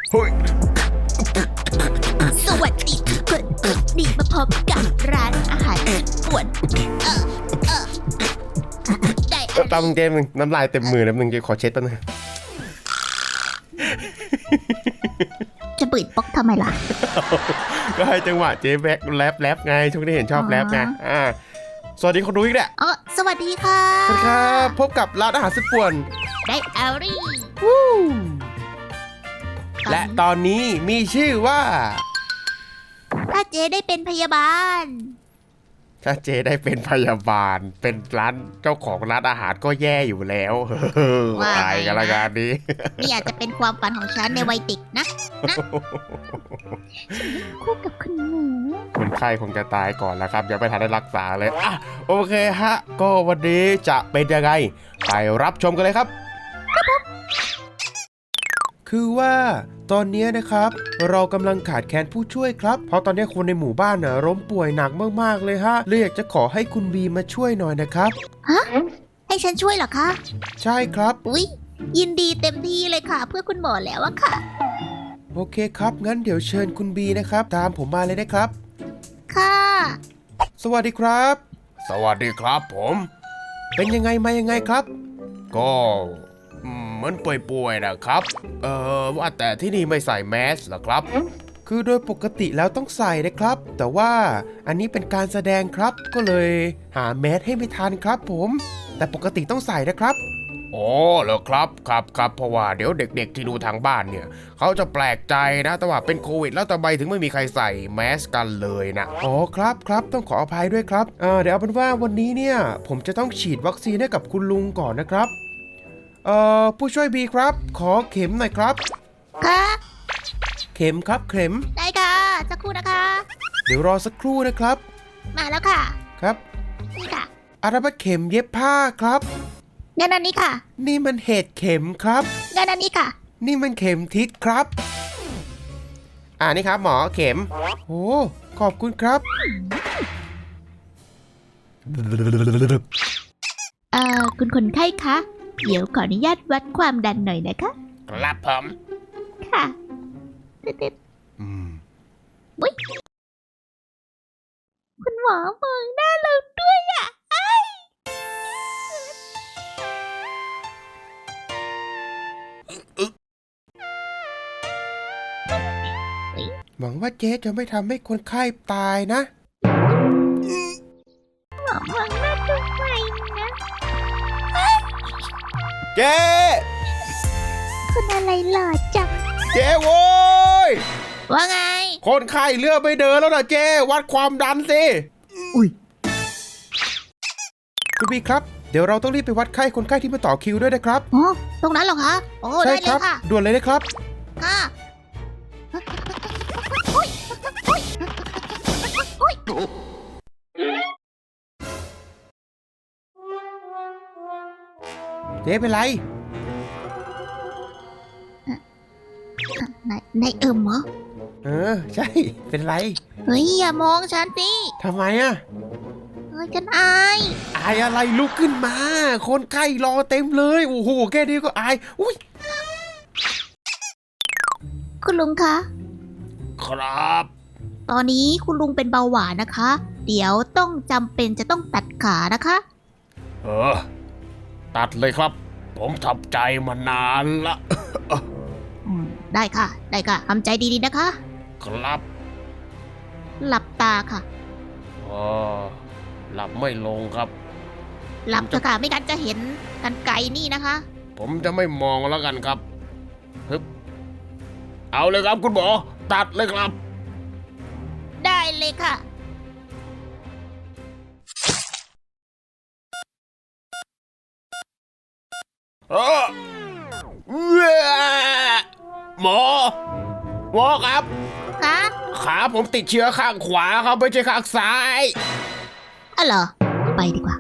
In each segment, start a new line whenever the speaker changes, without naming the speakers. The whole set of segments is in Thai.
เฮ้ย
สวัสดีทุกคนนี่มาพบกับร้านอาหารญี่ปุ่นได้อะไร
ตามมึงเจมึงน้ำลายเต็มมือแล้วมึงจะขอเช็ดแป๊บนึง
จะบืดป๊อกทำไมล่ะ
ก็ให้จังหวะเจ๊แบ็คแรปไงช่วงนี้เห็นชอบแรปไงสวัสดีคนดูอีกแหละ
สวัสดีค่ะ
สวัสดีครับพบกับร้านอาหารสุดป่วน
ได้อารี่
และตอนนี้มีชื่อว่า
ถ้าเจได้เป็นพยาบาล
ถ้าเจ๊ได้เป็นพยาบาลเป็นร้านเจ้าของร้านอาหารก็แย่อยู่แล้วตายกันละกันนี้
นี่อาจจะเป็นความฝันของฉันในวัยเด็กนะคู่กับคุณหมู
คนไข้คงจะตายก่อนแล้วครับยังไม่ทันได้รักษาเลยโอเคฮะก็วันนี้จะเป็นยังไงไปรับชมกันเลยครับคือว่าตอนนี้นะครับเรากำลังขาดแคลนผู้ช่วยครับเพราะตอนนี้คนในหมู่บ้านน่ะล้มป่วยหนักมากๆเลยฮะเลยอยากจะขอให้คุณบีมาช่วยหน่อยนะครับ
ฮะให้ฉันช่วยเหรอคะ
ใช่ครับ
อุ๊ยยินดีเต็มที่เลยค่ะ เพื่อคุณหมอแล้วอะค่ะ
โอเคครับงั้นเดี๋ยวเชิญคุณบีนะครับตามผมมาเลยนะครับ
ค่ะ
สวัสดีครับ สวัสดีครับผมเป็นยังไงมายังไงครับก็เหมือนป่วยๆนะครับว่าแต่ที่นี่ไม่ใส่แมสเหรอครับคือโดยปกติแล้วต้องใส่นะครับแต่ว่าอันนี้เป็นการแสดงครับก็เลยหาแมสให้ไม่ทันครับผมแต่ปกติต้องใส่นะครับอ๋อเหรอครับครับเพราะว่าเดี๋ยวเด็กๆที่ดูทางบ้านเนี่ยเขาจะแปลกใจนะแต่ว่าเป็นโควิดแล้วทำไมถึงไม่มีใครใส่แมสกันเลยนะอ๋อครับต้องขออภัยด้วยครับเดี๋ยวเอาเป็นว่าวันนี้เนี่ยผมจะต้องฉีดวัคซีนให้กับคุณลุงก่อนนะครับผู้ช่วยบีครับขอเข็มหน่อยครับ
ค่ะ
เข็มครับเข็ม
ได้ค่ะสักครู่นะคะ
เดี๋ยวรอสักครู่นะครับ
มาแล้วค่ะ
ครับ
นี่ค่ะ
อาราบัดเข็มเย็บผ้าครับ
งั้นอันนี้ค่ะ
นี่มันเห็ดเข็มครับ
งั้นอันนี้ค่ะ
นี่มันเข็มทิศครับนี่ครับหมอเข็มโอ้ขอบคุณครับ
คุณคนไข้คะ เดี๋ยวขออนุญาตวัดความดันหน่อยนะคะ
ครับผม
ค่ะติดๆอุ๊ยคุณหมอมองหน้าเราด้วยอ่ะ
หวังว่าเจ๊จะไม่ทำให้คนไข้ตายนะ
หมอมองหน้าทำไมนะ
เจ๊
คุณอะไรหล่อจัง
เจ๊โว้ย
ว่าไง
คนไข้เลือดไม่เดินแล้วนะเจ๊วัดความดันสิ
อุ๊ย
คุณบีครับเดี๋ยวเราต้องรีบไปวัดไข้คนไข้ที่มาต่อคิวด้วยนะครับ
อ๋อตรงนั้นเหรอคะ โอ้
ใช่
ได้เล
ครั
ยค่ะ
ด่วนเลยนะครับ
ค่ะ
เจ๊เป็นไร
ในเอิมเหรอ
ใช่ เป็นไร
เฮ้ยอย่ามองฉันสิ
ทำไมอะ
เฮ้ยฉันอาย
อายอะไรลุกขึ้นมา คนไข้รอเต็มเลย โอ้โห แค่นี้ก็อาย อุ้ย
คุณลุงคะ
ครับ
ตอนนี้คุณลุงเป็นเบาหวานนะคะ เดี๋ยวต้องจำเป็นจะต้องตัดขานะคะ
ตัดเลยครับ ผมทำใจมานานละ
ได้ค่ะ ได้ค่ะทำใจดีๆนะคะ
ครับ
หลับตาค่ะ
หลับไม่ลงครับ
หลับเถอะค่ะไม่งั้นจะเห็นกันไกลนี่นะคะ
ผมจะไม่มองแล้วกันครับฮึบเอาเลยครับคุณหมอ ตัดเลยครับ
ได้เลยค่ะ
หมอครับ
คะ
ขาผมติดเชื้อข้างขวาครับไม่ใช่ข้างซ้าย
อ๋อเหรอ ไปดีกว่า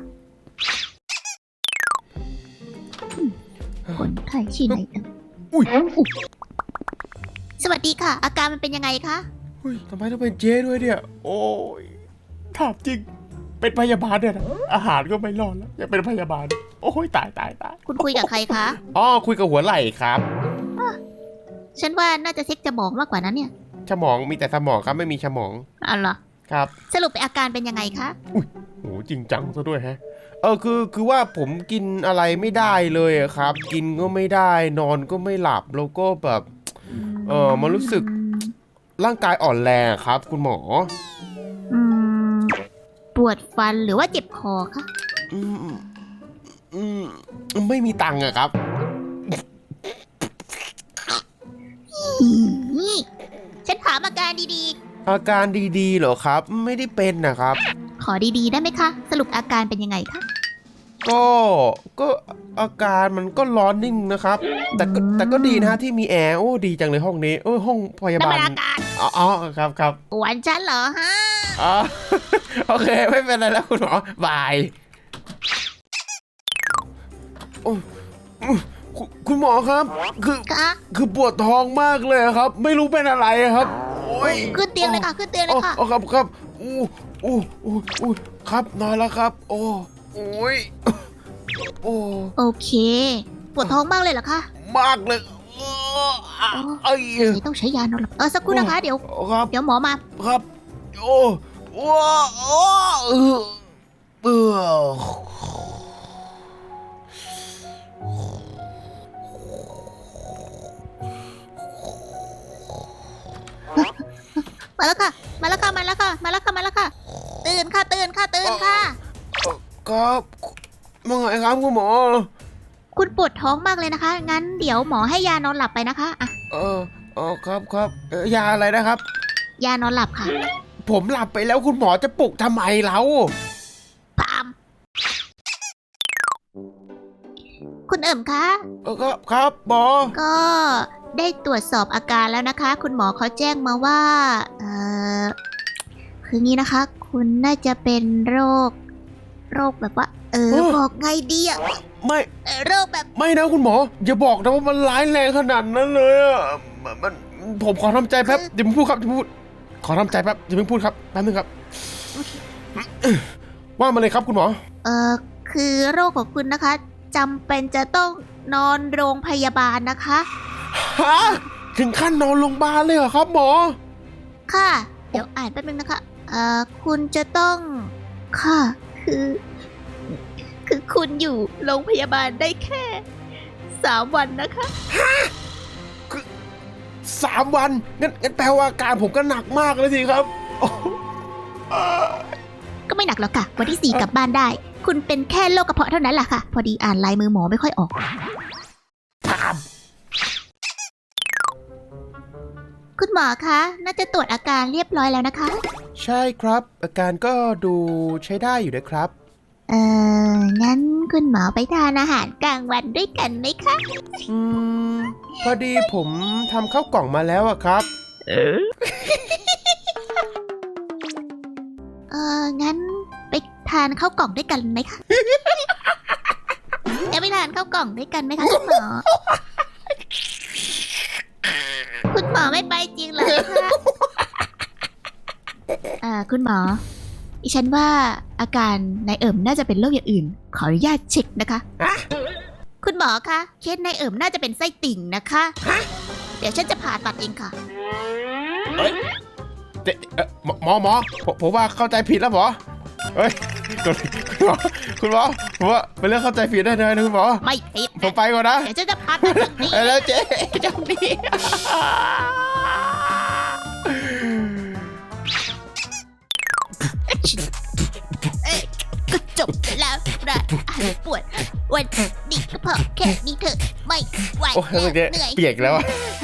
คนไข้ที่ไหนเอ่ย
อุ้ย
สวัสดีค่ะ อาการมันเป็นยังไงคะ
อุ้ยทำไมต้องเป็นเจ๊ด้วยเนี่ย โอ้ยถามจริง เป็นพยาบาลเนี่ยนะอาหารก็ไม่รอดแล้วยังเป็นพยาบาล โอ้ยตาย
คุณคุยกับใครคะ
คุยกับหัวไหล่ครับ
ฉันว่าน่าจะเช็คสมองมากกว่านั้นเนี่ย
สมองมีแต่สมองครับไม่มีสมอง
อ๋อเหรอ
ครับ
สรุปอาการเป็นยังไงคะ
โหจริงจังซะด้วยฮะคือว่าผมกินอะไรไม่ได้เลยอะครับ กินก็ไม่ได้นอนก็ไม่หลับแล้วก็แบบมันรู้สึกร่างกายอ่อนแรงอะครับ คุณหมอ
อืมปวดฟันหรือว่าเจ็บคอคะ
อืมอืมไม่มีตังค์อะครับ
นี่ฉันถามอาการดี
อาการดีๆเหรอครับ ไม่ได้เป็นนะครับ
ๆ ขอดีๆ ได้ไหมคะ สรุปอาการเป็นยังไงคะ
ก็อาการมันก็ร้อนนิ่งนะครับ แต่ก็ดีนะฮะที่มีแอร์โอ้ดีจังเลยห้องนี้ห้องพยา
นั่น
บาล
เป็นอาการ
อ๋อครับ
กวนฉันเหรอฮะ
อ๋อ โอเคไม่เป็นไรแล้วคุณหมอบายโอ้คุณหมอครับ
คะ
คือปวดท้องมากเลยครับ ไม่รู้เป็นอะไรครับโอ้ย
ขึ้นเตียงเลยค่ะ ขึ้นเตียงเลยค่ะ
อ๋อครับอู้ครับนอนแล้วครับ โอ้ยโอ้
โอเค ปวดท้องมากเลยเหรอคะ
มากเลยเอ้ย
เลยต้องใช้ยานอนหลับสักครู่นะคะ เดี๋ยว
ครับ
เดี๋ยวหมอมา
ครับโอ้เออ
มาแล้วค่ะ มาแล้วค่ะ มาแล้วค่ะ มาแล้วค่ะ มาแล้วค่ะ ตื่นค่ะ ตื่นค่ะ ตื่นค่ะ
ครับว่าไงครับคุณหมอ
คุณปวดท้องมากเลยนะคะ งั้นเดี๋ยวหมอให้ยานอนหลับไปนะคะอ่ะ
ครับยาอะไรนะครับ
ยานอนหลับค่ะ
ผมหลับไปแล้วคุณหมอจะปลุกทำไมเรา
พาม คุณเอิ่มคะ
ครับหมอ
ก็ได้ตรวจสอบอาการแล้วนะคะ คุณหมอเขาแจ้งมาว่าคืองี้นะคะ คุณน่าจะเป็นโรคแบบว่า บอกไงดีอะ
ไม่
โรคแบบ
ไม่นะคุณหมอ อย่าบอกนะว่ามันร้ายแรงขนาดนั้นเลยอะมันผมขอทำใจแป๊บเดี๋ยวมึงพูดครับเดี๋ยวพูดขอทำใจแป๊บเดี๋ยวมึงพูดครับแป๊บนึงครับว่ามาเลยครับคุณหมอ
คือโรคของคุณนะคะจำเป็นจะต้องนอนโรงพยาบาลนะคะ
ฮะถึงขั้นนอนโรงพยาบาลเลยเหรอครับหมอ
ค่ะ เดี๋ยวอ่านแป๊บนึงนะคะ คุณจะต้องค่ะคือคุณอยู่โรงพยาบาลได้แค่3 วันนะคะ
3 วันงั้นแปลว่าอาการผมก็หนักมากเลยสิครับ
ก็ไม่หนักหรอกค่ะ วันที่ 4 กลับบ้านได้ คุณเป็นแค่โรคกระเพาะเท่านั้นแหละค่ะ พอดีอ่านลายมือหมอไม่ค่อยออก คุณหมอคะ น่าจะตรวจอาการเรียบร้อยแล้วนะคะ
ใช่ครับ อาการก็ดูใช้ได้อยู่นะครับ
งั้นคุณหมอไปทานอาหารกลางวันด้วยกันไหมคะ
พอดีผมทำข้าวกล่องมาแล้วอะครับ
งั้นไปทานข้าวกล่องด้วยกันไหมคะ จะไปทานข้าวกล่องด้วยกันไหมคะคุณหมอ คุณหมอไม่ไปจริงเหรอคะคุณหมอดิฉันว่าอาการนายเอิมน่าจะเป็นโรคอย่างอื่น ขออนุญาตเช็คนะคะ คุณหมอคะเคสนายเอิมน่าจะเป็นไส้ติ่งนะคะ เดี๋ยวฉันจะผ่าตัดเองค่ะ
หมอผมว่าเข้าใจผิดแล้วหมอเฮ้ยคุณหมอผมว่าเป็นเรื่องเข้าใจผิดได้เลยนะคุณหมอ
ไม่ผิด
ผมไปก่อนนะ
เดี๋ยวฉันจะผ่าตัดแบบนี้
แล้วเจ๊เจ้าดี
ก็จบแล้วนะปวดวันนี้ก็พอแค่นี้เถอะไม่ไหว
โอ้ย
แล้ว
เจ๊
เหนื่อย
เปียกแล้วอะ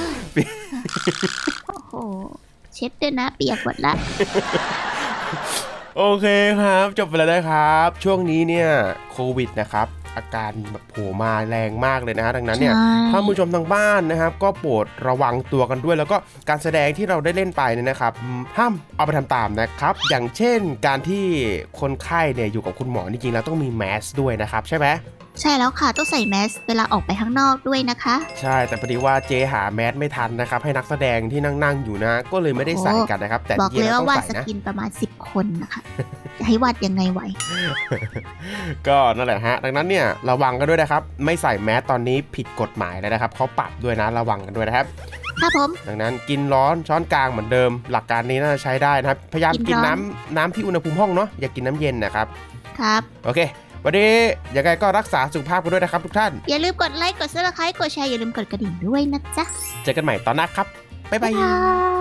โอ้โหเช็ดด้วยนะเปียกหมดละ
โอเคครับจบไปแล้วนะครับ ช่วงนี้เนี่ยโควิดนะครับ อาการแบบโผล่มาแรงมากเลยนะฮะดังนั้นเนี่ย
ใช่
ถ้าผู้ชมทางบ้านนะครับ ก็โปรดระวังตัวกันด้วย แล้วก็การแสดงที่เราได้เล่นไปเนี่ยนะครับห้ามเอาไปทำตามนะครับ อย่างเช่นการที่คนไข้เนี่ยอยู่กับคุณหมอจริงๆแล้วต้องมีแมสด้วยนะครับใช่ไหม
ใช่แล้วค่ะต้องใส่แมสเวลาออกไปข้างนอกด้วยนะคะ
ใช่แต่พอดีว่าเจหาแมสไม่ทันนะครับให้นักแสดงที่นั่งอยู่นะก็เลยไม่ได้ใส่กันนะครับแต่
บอก
จริง
เล
ๆ
ย
แล้ว
ว่า
ต้อง
วาด
ใส่
ส
นะ
กินประมาณ10 คนนะคะ จะให้วาดยังไงไหว
ก็นั่นแหละฮะดังนั้นเนี่ยระวังกันด้วยนะครับไม่ใส่แมสตอนนี้ผิดกฎหมายแล้วนะครับเขาปรับด้วยนะระวังกันด้วยนะครับ
ครับผม
ดังนั้นกินร้อนช้อนกลางเหมือนเดิม หลักการนี้น่าจะใช้ได้นะครับพยายาม
กิ
กิน
นร้อน
น้ำที่อุณหภูมิห้องเนาะอย่ากินน้ำเย็นนะครับ
ครับ
โอเควันนี้ยังไงก็รักษาสุขภาพกันด้วยนะครับทุกท่าน
อย่าลืมกดไลค์ กดซับสไครต์กดแชร์ อย่าลืมกดกระดิ่งด้วยนะจ๊ะ
เจอกันใหม่ตอนหน้าครับบ๊ายบาย
บ๊ายบาย